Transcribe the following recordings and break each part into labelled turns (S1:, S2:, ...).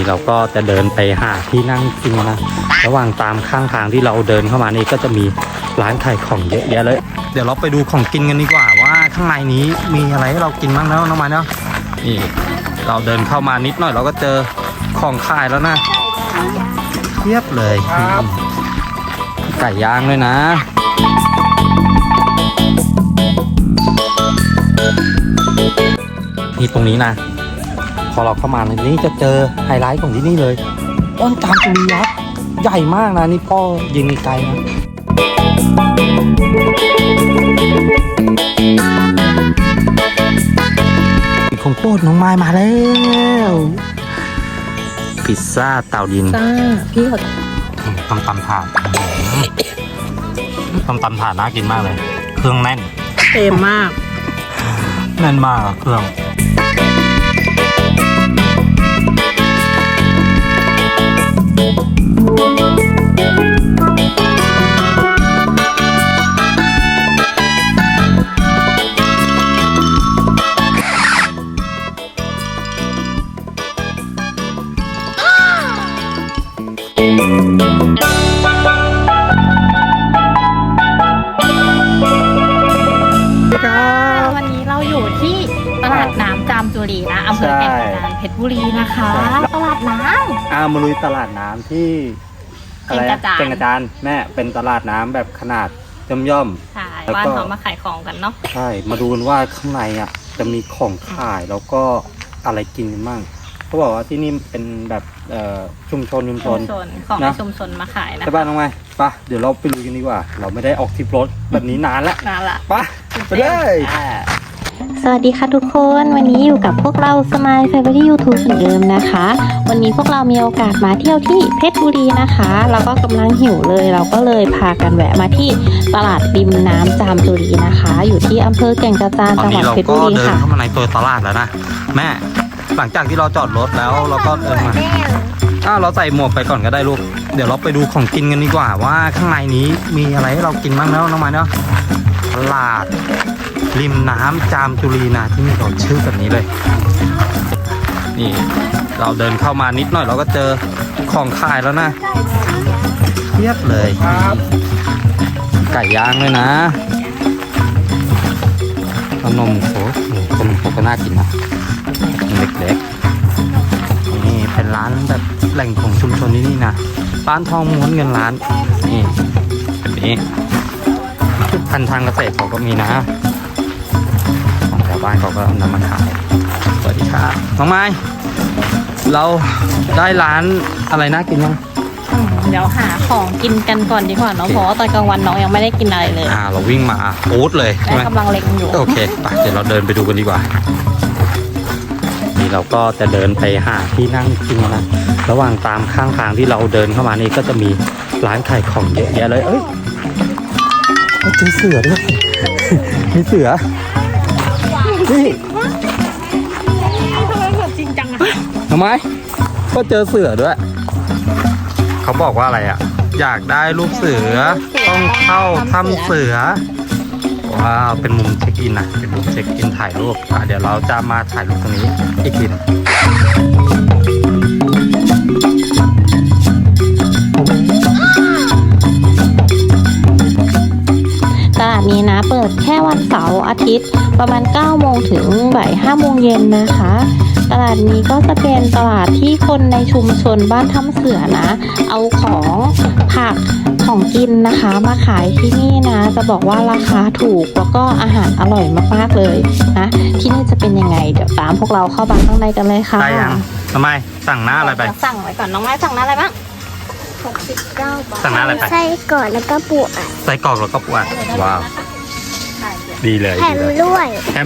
S1: นี่เราก็จะเดินไปหาที่นั่งกินนะระหว่างตามข้างทางที่เราเดินเข้ามานี่ก็จะมีร้านขายของเยอะแยะเลยเดี๋ยวเราไปดูของกินกันดีกว่าว่าข้างในนี้มีอะไรให้เรากินบ้างแล้วน้องไม้เนาะนี่เราเดินเข้ามานิดหน่อยเราก็เจอของขายแล้วนะเทียบเลยไก่ย่างด้วยนะนี่ตรงนี้นะพอเราเข้ามาในนี้จะเจอไฮไลท์ของที่นี่เลยต้นจามจุรียักษ์ใหญ่มากนะนี่พ่อยิงไกลนะของโปรดน้องไม้มาแล้วพิซซ่าเตาดิน
S2: พี่เขา
S1: ตำถาดตำถาดน่ากินมากเลยเครื่องแน่น
S2: เต็มมาก
S1: แน่นมากเครื่อง
S2: วันนี้เราอยู่ที่ตลาดน้ำจามจุรีนะอำเภอแก่งกระจานเพชรบุรีนะคะตลาดน้
S1: ำมาลุยตลาดน้ำที่อะไรแก่งกระจานแม่เป็นตลาดน้ำแบบขนาดย่อม
S2: ใช่บ้านเขามาขายของกันเนาะ
S1: ใช่มาดูกันว่าข้างในอ่ะจะมีของขายแล้วก็อะไรกินกันบ้างเขาบอกว่าที่นี่เป็นแบบชุมชนของในชุมชนมาขายนะใช่ป่ะน้องไม้ปะเดี๋ยวเราไปลุยกันดีกว่าเราไม่ได้ออกทริปรถแบบนี้นานละปะไปเลย
S3: สวัสดีค่ะทุกคนวันนี้อยู่กับพวกเราสมายแฟมิลี่ยูทูบเหมือนเดิมนะคะวันนี้พวกเรามีโอกาสมาเที่ยวที่เพชรบุรีนะคะแล้วก็กำลังหิวเลยเราก็เลยพากันแวะมาที่ตลาดริมน้ำจามจุรีนะคะอยู่ที่อำเภอแก่งกระจานจังหวัดเพชรบุรีค่ะ
S1: ตอนนี้เราก็เดินเข้ามาในตัวตลาดแล้วนะแม่หลังจากที่เราจอดรถแล้วเราก็เดินมาเราใส่หมวกไปก่อนก็ได้ลูกเดี๋ยวเราไปดูของกินกันดีกว่าว่าข้างในนี้มีอะไรให้เรากินบ้างแล้วน้องไม้เนาะตลาดริมน้ำจามจุรีนะที่นี่เขาชื่อแบบนี้เลยนี่เราเดินเข้ามานิดหน่อยเราก็เจอของขายแล้วนะเทียบเลยไก่ย่างด้วยนะขนมโคก็น่ากินนะเล็กๆนี่เป็นร้านแบบแหล่งของชุมชนนี่นะร้านทองม้วนเงินล้านนี่แบบนี้พันทางเกษตรเขาก็มีนะของแถวบ้านเขาก็นำมาขายสวัสดีครับน้องไม้เราได้ร้านอะไรน่ากินยัง
S2: เดี๋ยวหาของกินกันก่อนดีกว่าเนาะเพราะว่าตอนกลางวันน้องยังไม่ได้กินอะไรเลย
S1: เราวิ่งมาปู๊ดเลยใช่ไหม
S2: กำลังเล็งอยู่
S1: โอเคไปเดี๋ยวเราเดินไปดูกันดีกว่านี่เราก็จะเดินไปหาที่นั่งกินนะระหว่างตามข้างทางที่เราเดินเข้ามานี่ก็จะมีร้านขายของเยอะแยะเลยเจอเสือด้วยมีเสือนี่
S2: ทำไมแบบจริงจังอะ
S1: ทำไมก็เจอเสือด้วยเขาบอกว่าอะไรอ่ะอยากได้รูปเสือต้องเข้าถ้ำเสือว้าวเป็นมุมเช็คอินนะเป็นมุมเช็คอินถ่ายรูปเดี๋ยวเราจะมาถ่ายรูปตรงนี้อีกที
S3: ตลาดนี้นะเปิดแค่วันเสาร์อาทิตย์ประมาณ9โมงถึงบ่าย5โมงเย็นนะคะตลาดนี้ก็จะเป็นตลาดที่คนในชุมชนบ้านถ้ำเสือนะเอาของผักของกินนะคะมาขายที่นี่นะจะบอกว่าราคาถูกแล้วก็อาหารอร่อยมากๆเลยนะที่นี่จะเป็นยังไงเดี๋ยวตามพวกเราเข้าบ้านข้างในกันเลยค่ะ
S1: ได้ยังทำไมสั่งหน้าอะไรไป
S2: สั่งไว้ก่อนน้องไม้สั่งหน้าอะไรบ้าง
S1: 69 บาทสั่งหน้าอะไรไป
S4: ไส้กรอกแล้วก็ปูอัด
S1: ไส้กรอกแล้วก็ปูอัดว้าวดีเลย
S4: แถมด้วย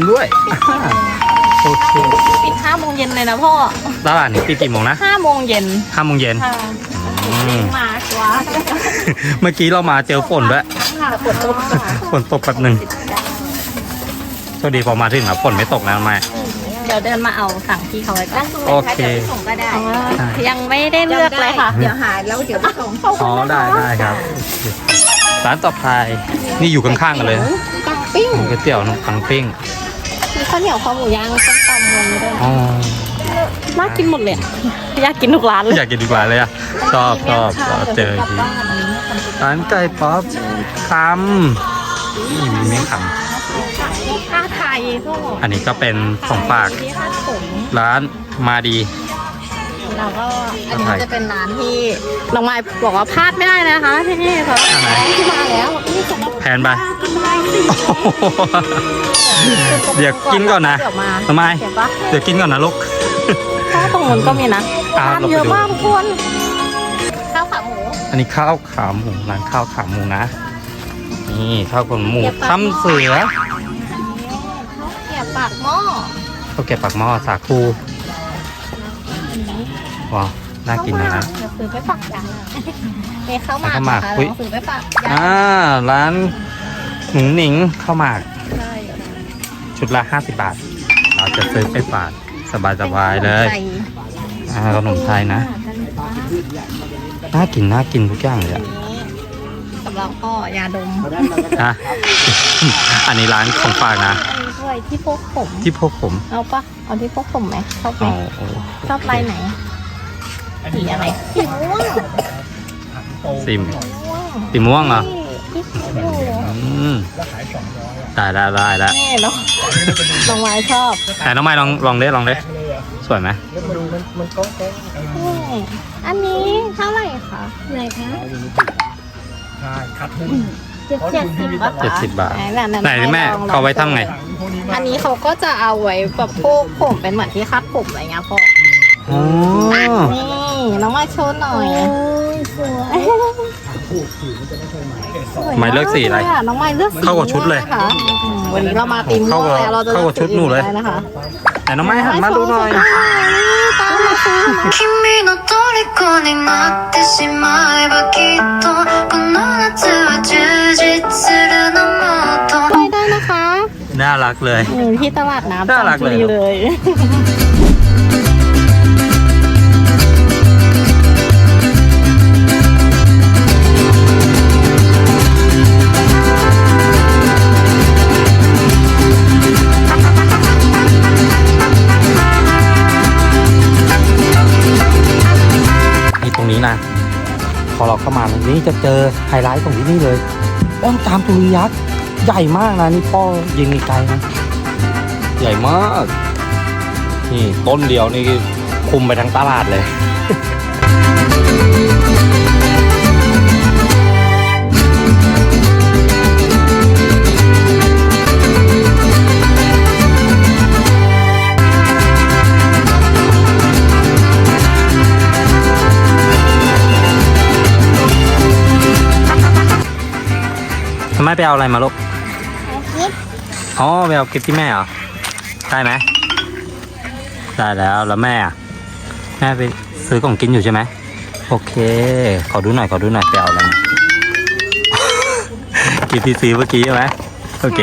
S1: โอเค
S2: ปิด5โมงเย็นเลยนะพ่อ
S1: ตลาดนี้ปิดกี่โมงนะ
S2: 5โมงเย็น
S1: 5โมงเย็น
S2: มากว่า
S1: เมื่อกี้เรามาเจอฝนด้วยฝนตกแป๊บนึงโชคดีพอมาถึงฝนไม่ตกนะแม่
S2: เดี๋ยวเดินมาเอาสั่งที่เขาไว้ก่อน
S1: โอเค
S2: ส่งก็ได้ยังไม่ได้เลือกเลยค่ะเดี๋ยวหาแล้วเดี๋ยวไปส่ง
S1: ได้ครับร้านต่อไปนี่อยู่ข้างๆกันเลย
S2: ปังปิ้ง
S1: ก๋วยเตี๋ยวปังปิ้ง
S2: มีข้าวเหนียวคอหมูย่างต้มตำมันด้วย
S3: น่ากินหมดเลยอะอยากกินทุกร้านเลย
S1: อยากกินดีกว่าเลยอ่ะชอบเราเจอทีร้านไก่ป๊อปคำนี่มีเมี่ยงค
S2: ผ้าไทยพวก
S1: ำอันนี้ก็เป็นของฝาก
S2: ที่ผ้าผม
S1: ร้านมาดี
S2: เราก็อันนี้จะเป็นร้านที่น้องไม้บอกว่าพลาดไม่ได้นะคะที่นี่เพราะ
S1: อันไหน
S2: ที่มาแล้วนี่สำหรับ
S1: แพนไป
S2: ไม้สิ
S1: เดี๋ยวกินก่อนนะ
S2: เดี๋ยวมา
S1: ทำไม
S2: เดี๋ยวปะ
S1: เดี๋ยวกินก่อนนะลูก
S3: ถ้าตรงนู้นก็มีนะ
S1: อ่ะ
S2: ร้านเยอะมากทุกคนข้าวขาหมู
S1: อันนี้ข้าวขาหมูร้านข้าวขาหมูนะ นี่ข้าวขาหมูทำเสือ
S2: ข้าวเกรี๊ยวปากหม้อ
S1: ข้าวแกะปากหม้อสาคูว้าวน่ากินนะ
S2: เดี๋ยวซื้อไปฝากยายเนี่ยข้าวหมาก
S1: ข้าวหมาก
S2: นะคะ
S1: อุ๊ย
S2: เราซื้อไปฝากยาย
S1: ร้านหนุ่งหนิงข้าวหมาก
S2: ใช่
S1: ชุดละ50 บาท เราจะซื้อไปฝากสบายๆเลย ขนมไทยนะ น่ากินทุกอย่างเลยอะ
S2: สำหรับพ่อยาดม
S1: อ่ะ อันนี้ร้านของฝากนะ
S2: ด้วยที่พวกผม
S1: ที่พวกผม
S2: เอาปะเอาที่พวกผมไหมชอบไหม
S1: เอา
S2: ชอบลายไหนสีอะไรสีม่วง
S1: สีม่วงเหรอ
S2: ที่สีม่วง
S1: อืมได้แล้ว
S2: นี่เนาะน้องไม้ชอบ
S1: แต่น้องไม้ลองเด้สวยไหม
S2: นี่อันนี้เท่าไหร่คะไหนคะ70 บาท
S1: 70 บาท
S2: ไหน
S1: ไหนแม่เขาไว้ทำไง
S2: อันนี้เขาก็จะเอาไว้แบบพวกผมเป็นเหมือนที่คาดผมอะไรเงี้ยพ่อ
S1: อ๋อ
S2: นี่น้องไม้โชว์หน่อยสวย
S1: ไม่เลือกสีอะไร
S2: น้องไม้เลือกสี
S1: เข้ากับชุดเลย
S2: ม่วงนะคะวันนี้เรามาตีมม่วงแล้วเราจะ
S1: เข้ากับชุดหนูเลย
S2: ได้นะคะ
S1: แต่น้องไม้หันมาดูหน่อย
S2: ตามมาซื้อนะ
S4: 君の虜になってしまえばきっとこの夏は充実するのもっと
S2: ไปได้นะคะ
S1: น่ารักเลย
S2: อยู่ที่ตลาดน้ำ
S1: น่ารักเลย
S2: จันทบุเลย
S1: นี่ตรงนี้นะ พอเราเข้ามาตรงนี้จะเจอไฮไลท์ตรงที่นี่เลยป้อมจามจุรียักษ์ใหญ่มากนะนี่พ่อยิงไกลๆนะใหญ่มาก นี่ต้นเดียวนี่คุมไปทั้งตลาดเลย ทำไมไปเอาอะไรมาลูกอ๋อไปเอากิฟที่แม่เหรอ ได้ไหม ได้แล้วแม่อะแม่ไปซื้อของกินอยู่ใช่ไหม โอเค ขอดูหน่อยไปเอาอะไรมา กิฟที่ซื้อเมื่อกี้ใช่ไหม โอเค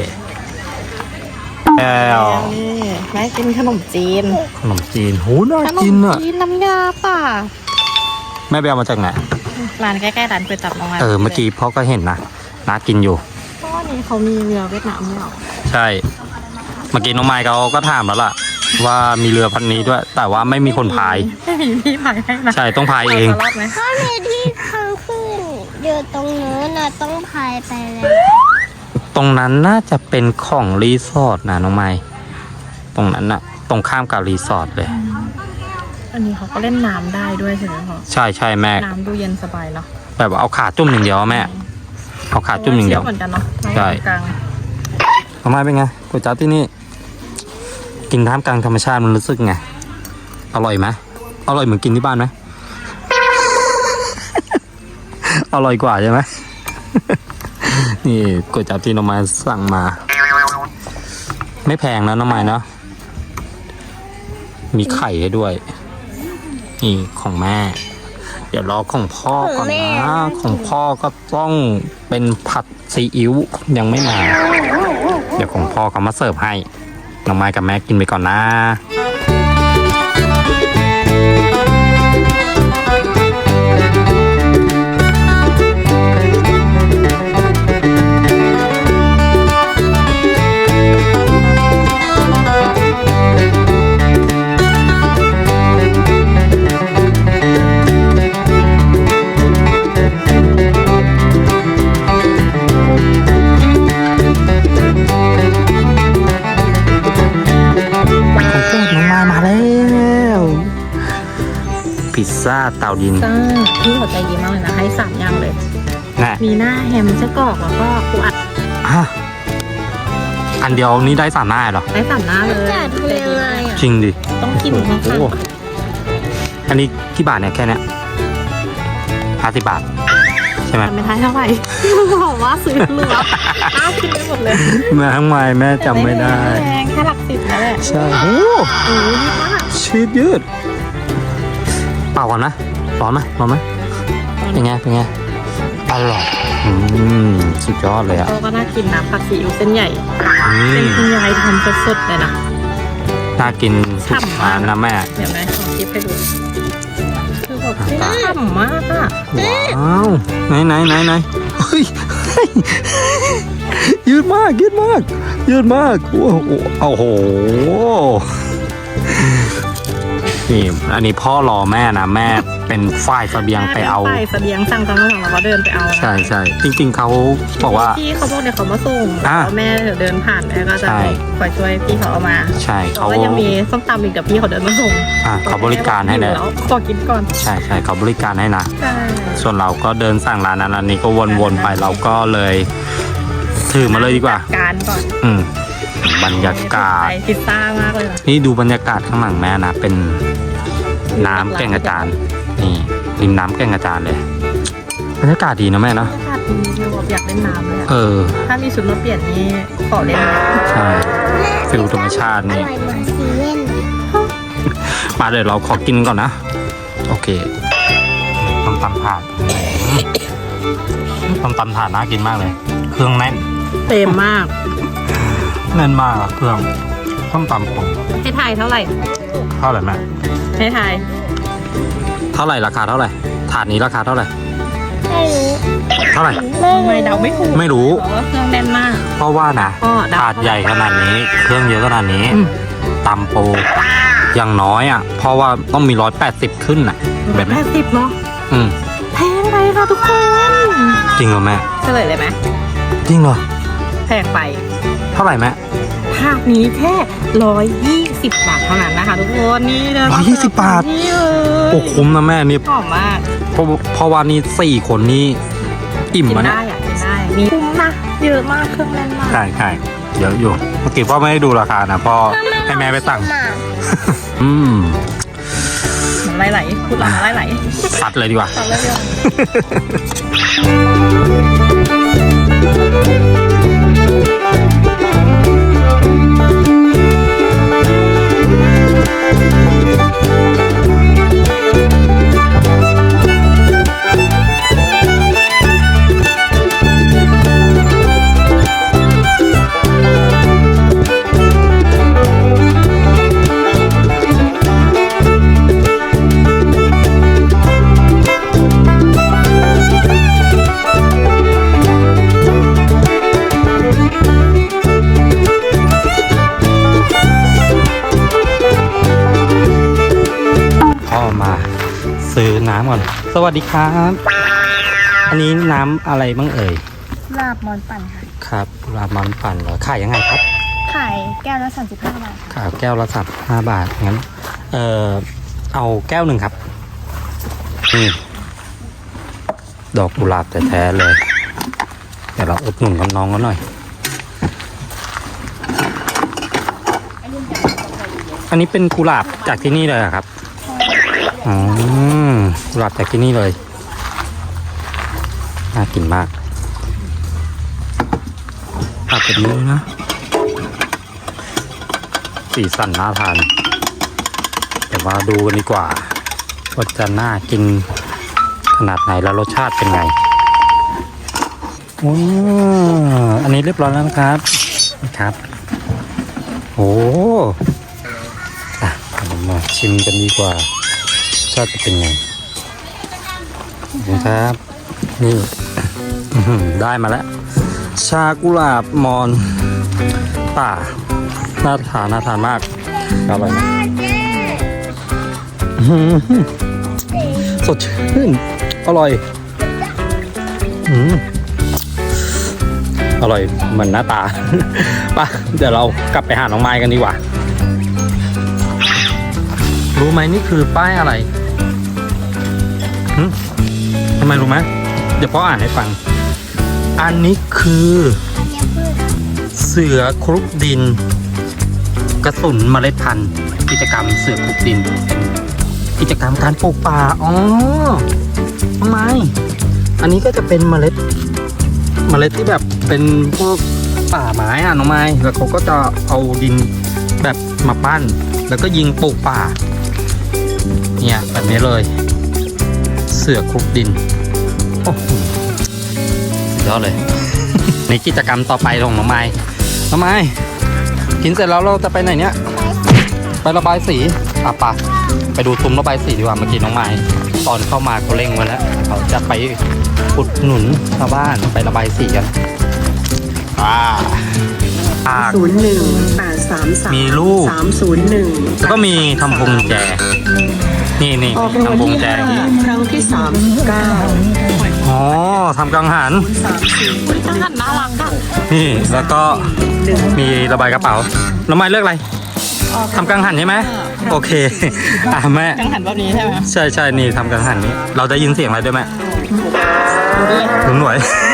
S1: แล้ว
S2: นี่แม่กินขนมจีน
S1: ขนมจีนโหน่า
S2: ขน
S1: กิน
S2: ม
S1: อ่ะ
S2: จีนน้ำยาป่ะ
S1: แม่ไปเอามาจากไหน
S2: ร้านใกล้ๆร้านก๋วยจั๊บน้องไม้
S1: เมื่อกี้พ่อก็เห็นนะน่ากินอยู่
S2: เพราะว่านี่เขามีเรือเวียดนามด้วยเหรอ
S1: ใช่ เมื่อกี้น้องไมค์เขาก็ถามแล้วล่ะ ว่ามีเรือพันนี้ด้วย แต่ว่าไม่มีคนพาย
S2: ไม่มีพี่พายให้นะ
S1: ใช่ต้องพายเอง
S2: รอดไหม
S4: ถ้ามีที่ทางขึ้นอยู่ตรงนู้นนะต้องพายไปเลย
S1: ตรงนั้นน่าจะเป็นของรีสอร์ทนะน้องไมค์ตรงนั้นน่ะ ตรงข้ามกับรีสอร์ทเลย
S2: อันนี้เขาก็เล่นน้ำได้ด้วยใช่ไหมพ่อ
S1: ใช่แม่
S2: น้ำดูเย็นสบายเนาะ
S1: แบบว่าเอาขาจุ่มอย่างเดียวอะแม่ เอาขาจุ่มอย่างเดียว
S2: เหมือนกันเนาะ
S1: ใช่
S2: กลาง
S1: น้องไมค์เป็นไงก๋วยจั๊บที่นี่ กินท่ามกลางธรรมชาติมันรู้สึกไง อร่อยไหมอร่อยเหมือนกินที่บ้านไหม อร่อยกว่าใช่ไหม นี่ก๋วยจั๊บที่น้องไม้สั่งมา ไม่แพงนะน้องไม้เนาะ มีไข่ให้ด้วย นี่ของแม่ เดี๋ยวรอของพ่อก่อนนะ ของพ่อก็ต้องเป็นผัดซีอิ๊วยังไม่มา เดี๋ยวของพ่อเขามาเสิร์ฟให้ น้องไม้กับแม่กินไปก่อนนะพิซซ่าเตาดิน
S2: จ้าพี่เขาใจดีมากเลยนะให้3อย่างเลย
S1: นะ
S2: มีหน้าแฮมไส้กรอกแล้วก็ปูอัด
S1: ฮะอันเดียวนี้ได้3 หน้าเหรอ
S2: ได้3หน้าเลย
S3: จะทำยังไงอ่ะ
S1: จริงดิ
S2: ต้องกินข้าง
S1: โอ้โหอันนี้กี่บาทเนี่ยแค่เนี้ย50 บาท ใช่ไหม
S2: ๆทำไม่ได้เท่าไหร่ บอกว่าซื้อเหลืออ้าวกินไปหมดเลย
S1: แม่ทั้งไมแม่จำไม่ได้
S2: แพงแค่หลัก10นั่นแหละ
S1: ใช่โอ้
S2: โอ้ยดีมาก
S1: ชีสยืดเปล่าก่อนนะร้อนไหมร้อนไหมเป็นไงเป็นไงอร่อยสุดยอดเลยอ่ะ
S2: ก็น่ากินนะผัดซีอิ๊วเส้นใหญ่
S1: อื
S2: เป็น
S1: ม
S2: คุณยายทำสดๆเลยนะ
S1: น่ากินทุกร้านนะแม่
S2: เดี๋ยวแม่ขอคลิปให้ดูคือแบบฉ่ำมากอ่ะ
S1: ว้าวไหนเฮ้ยยืดมากยืดมากยืดมากโอ้โหนี่อันนี้พ่อรอแม่นะแม่เป็นฝ่ายเสบียงไปเอา
S2: ไปเสบียงสั่งตอนนั้นเราก็เดินไปเอา
S1: ใช่จริงๆเขาบอกว่า
S2: พี่เขาบอกเดี๋ยวเขามาส่ง
S1: อ่ะ
S2: แล้วแม่เดี๋ยวเดินผ่านแม่ก็จะ
S1: ใช่
S2: คอยช่วยพี่เขาเอามา
S1: ใช่
S2: เขา
S1: เขา
S2: ก็ยังมีส้มตำอีกกับพี่เขาเดินมาส่ง
S1: เขาบริการให้เลย
S2: แล้วขอกินก่อน
S1: ใช่เขาบริการให้นะ
S2: ใช่
S1: ส่วนเราก็เดินสั่งร้านนั้นร้านนี้ก็วนๆไปเราก็เลยถือมาเลยดีกว่า
S2: การก่อน
S1: บรรยากาศ
S2: ไปพิซซ่ามากเลยนะ
S1: นี่ดูบรรยากาศข้างหลังแม่นะเป็นน้ำแก่งกระจานนี่ริมน้ำแก่งกระจานเลยบรรยากาศดีนะแม่เนาะ
S2: บรรยากาศดีแบบอยากเล่นน้ำเลยอะ
S1: เออ
S2: ถ้ามีชุดมาเปลี่ยนนี่ขอเล่นเลย
S1: ใช่ฟิลธรรมชาติ
S3: อ
S1: นี่
S3: ร่อยเหมือนซีเว่น
S1: มาเดี๋ยวเราขอกินก่อนนะโอเคต้มตำถาดต้มตำถาดน่ากินมากเลย เครื่องแน่น
S2: เต็มมาก
S1: แน่นมากอะเครื่องต้มตำผม
S2: ให้ทายเท่าไหร่
S1: เท่าไหร่แม่
S2: ให้ทาย
S1: เท่าไหร่ราคาเท่าไหร่ถาดนี้ราคาเท่าไหร่
S3: ไม่รู้
S1: เท่าไหร่
S2: ไม่เดาไม่ถูก
S1: ไม่รู้
S2: เพราะว่าเครื่องแน่นมาก
S1: เพราะว่านะ
S2: ก็เดา
S1: ถาดใหญ่ขนาดนี้ เครื่องเยอะขนาดนี้
S2: อืม
S1: ตำปูอย่างน้อยอ่ะ เพราะว่าต้องมี180ขึ้นอ่ะ แบบนี้
S2: 80เนาะ
S1: อืม
S2: แพงไปค่ะทุกคน
S1: จริงเหรอแม่
S2: เฉลยเลยไหม
S1: จริงเหรอ
S2: แพงไป
S1: เท่าไหร่แม่
S2: ภาคนี้แค่120 บาทเท่านั้นนะคะทุกคนนี่เลย
S1: 120 บาท
S2: นี่เลย
S1: โอ้คุ้มนะแม่นี่
S2: หอมมาก
S1: เพราะว่านี่4 คนนี่อิ่ม
S2: กิน
S1: มาเนี่ย
S2: ได้อะกินได้มีคุ้มนะเยอะมากเครื่องแน่นมาก
S1: ใช่เยอะอยู่เมื่อกี้พ่อไม่ได้ดูราคานะพ่อให้แม่ไปสั่ง
S3: หมา
S1: อืม
S2: น้ำลายไหลพูดแล้วน้ำลายไหล
S1: ซัดเลยดีกว่า
S2: ตอนแรกเดียว
S1: พ่อมาซื้อน้ำก่อน สวัสดีครับ อันนี้น้ำอะไรบ้างเอ่ย
S5: ลาบมอนปั่นค่ะ
S1: ครับราบมันปั่นเหรอขายยังไงครับ
S5: ขายแก้วละ35 บาท
S1: ขายแก้วละ35 บาทงั้นเอาแก้วหนึ่งครับนี่ดอกกุหลาบแท้ๆเลยเดี๋ยวเราอุดหนุนกับน้องกันหน่อย อันนี้เป็นกุหลาบจากที่นี่เลยเหรอครับอ๋อกุหลาบจากที่นี่เลยน่ากินมากตัดแบบนี้นะ สีสันน่าทานเดี๋ยวมาดูกันดีกว่าว่าจะน่ากินขนาดไหนแล้วรสชาติเป็นไงว้าวอันนี้เรียบร้อยแล้วนะครับโอ้เรามาชิมกันดีกว่ารสชาติจะเป็นไงขอบคุณครับนี่ ได้มาแล้ว ชากุหลาบมอนป่าน่าทานมากอร่อยนะสดชื่นอร่อยอร่อยเหมือนหน้าตา ไปเดี๋ยวเรากลับไปหาน้องไม้กันดีกว่า รู้ไหมนี่คือป้ายอะไรทำไมรู้ไหมเดี๋ยวพ่ออ่านให้ฟัง อันนี้คือ เสือคลุกดิน กระสุนเมล็ดพันธุ์ กิจกรรมเสือคลุกดินเป็นกิจกรรมการปลูกป่าอ๋อทำไมอันนี้ก็จะเป็นเมล็ดที่แบบเป็นพวกป่าไม้อะน้องไม้แล้วเขาก็จะเอาดินแบบมาปั้น แล้วก็ยิงปลูกป่าเนี่ยแบบนี้เลย เสือคลุกดินโอ้โหสุดยอดเลย ในกิจกรรมต่อไปของน้องไม้กินเสร็จแล้วเราจะไปไหนเนี่ยไประบายสีอ่ะปะไปดูซุ้มระบายสีดีกว่าเมื่อกี้น้องไม้ตอนเข้ามาเขาเร่งไว้แล้วเขาจะไปอุดหนุนชาวบ้านไประบายสีกัน
S6: 01-833
S1: มีลูก
S6: 301
S1: แล้วก็มีทำพวงแจนี่
S6: ออกรางวัล
S1: ทำพวง
S6: ที่
S1: แจ
S6: 5ครั้งที่39
S1: อ๋อทำกังหัน
S2: กังหันน่ารักอ่ะ
S1: นี่แล้วก็มีระบายกระเป๋าน้องไม้เลือกอะไรทำกังหันใช่ไหมโอเคแม่
S2: กังหันแบบนี้ใช่ไหม
S1: ใช่นี่ทำกังหันนี้เราได้ยินเสียงอะไรด้วยไหมถึงหน่วย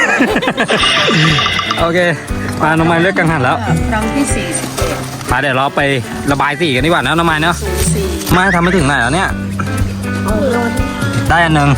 S1: โอเคมาน้องไม้เลือกกังหันแล้ว
S6: ครั้งที่41
S1: มาเดี๋ยวเราไประบายสีกันดีกว่านะน้องไม้เนาะไม้ทำไม่ถึงไหนแล้วเนี่ยได้อันหนึ่ง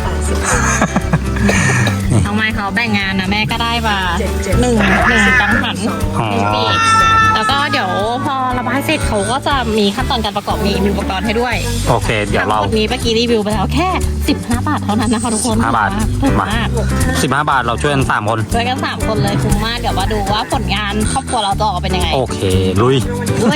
S2: น้องไม้เขาแบ่งงานนะแม่ก็ได้มาหนึ่งกังหัน
S1: อ๋อ
S2: ปีกแล้วก็เดี๋ยวพอระบายเสร็จเขาก็จะมีขั้นตอนการประกอบมีอุปกรณ์ให้ด้วย
S1: โอเค เดี๋ยวเรา
S2: ทั้งหมดนี้เมื่อกี้รีวิวไปแล้วแค่15 บาทเท่านั้นนะคะทุกคน
S1: 15 บาท
S2: ถูก
S1: มาม
S2: าก
S1: 15 บาทเราช่วยกัน3 คน
S2: ช่วยกัน3 คนเลยคุ้มมากเดี๋ยวมาดูว่าผลงานครอบครัวเราจะออกมาเป็นยังไง
S1: โอเค ลุย
S2: ด้วย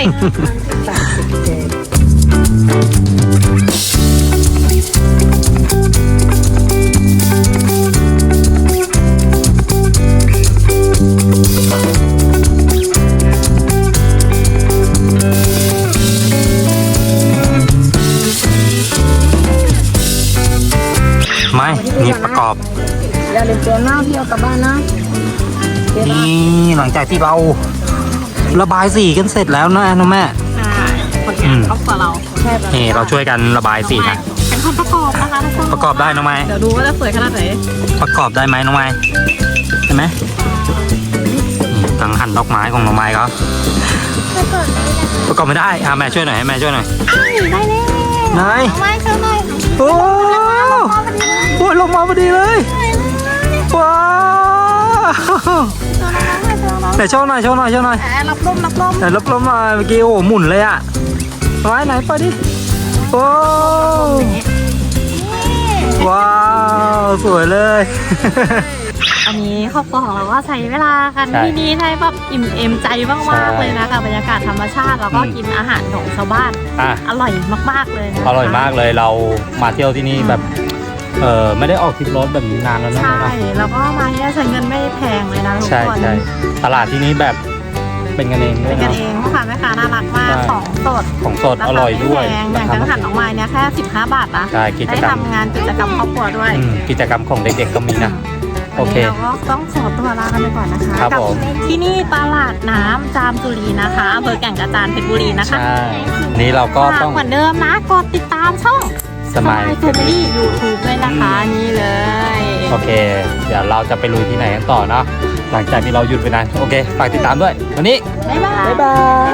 S1: ไม่นี่ประกอบ
S5: อย่าลืมเตรียมหน้าพี่เอากลับบ้านนะ
S1: นี่หลังจากที่เราระบายสีกันเสร็จแล้วนะน้องแม่
S2: ผลงานครอบครัวเรา
S1: นี่เราช่วยกันระบายสีนะ
S2: เป็นคนประกอบนะคะทุกคน
S1: ประกอบได้น้องไม้
S2: เดี๋ยวดูว่าจะสวยขนาดไหน
S1: ประกอบได้ไหมน้องไม้ใช่ไหมนี่กังหันดอกไม้ของน้องไม้เขาประกอบไม่ได้แม่ช่วยหน่อยให้แม่ช่วยหน่อย
S2: ได้เลย
S1: ไหน
S2: ไม่เท่าไหร่
S1: โอ้โหลงมาพอดีเลยว้าวไหนโชว์หน่อย
S2: รับลม
S1: ไหนรับลมหน่อยเมื่อกี้โอ้โหหมุนเลยอะไหนไปดิโอ้ว้าวสวยเลย
S2: อันนี้ครอบครัวของเราก็ใช้เวลากัน
S1: ใช่
S2: ที่นี่ได้แบบอิ่มเอมใจมากๆเลยนะกับบรรยากาศธรรมชาติแล้วก็กินอาหารของชาวบ้าน
S1: อ่ะ
S2: อร่อยมากๆเลยนะคะ
S1: อร่อยมากเลยเรามาเที่ยวที่นี่แบบไม่ได้ออกทริปรถแบบนี้นานแล้วนะ
S2: ใช่แล้วก็มาเนี่ยใช้เงินไม่แพงเลยนะทุก
S1: ใช่
S2: คน
S1: ใช่ตลาดที่นี้แบบเป็นกันเองด้ว
S2: เป็
S1: ย
S2: นกัน
S1: เนาะ
S2: เองพ่อค้าแม่ค้าน่ารักมาก
S1: ใช่
S2: ของสด
S1: ของสดอร่อยด้วย
S2: ราคาไม่แพงอย่างกังหันออกมาเนี่ยแค่15 บาทนะ
S1: ใช่กิจ
S2: ได้
S1: กรรม
S2: ทำงานกิจกรรมครอบครัวด้วย
S1: กิจกรรมของเด็กๆก็มีนะ โอเค
S2: วันนี้เราก็ต้องขอตัวลากันไปก่อนนะคะ
S1: ครับ
S2: กั
S1: ผม
S2: ที่นี่ตลาดน้ำจามจุรีนะคะอำเภอแก่งกระจานเพชรบุรีนะคะ
S1: ใช่นี่เราก็ต้อง
S2: เหมือนเดิมนะกดติดตามช่อง
S1: สมัย
S2: แฟมิลี่ยูทูบด้วยนะคะนี่เลย
S1: โอเค เดี๋ยวเราจะไปลุยที่ไหนกันต่อเนาะหลังจากที่เราหยุดไปนานโอเคฝากติดตามด้วยวันนี้
S2: บ๊ายบาย
S1: บ๊ายบาย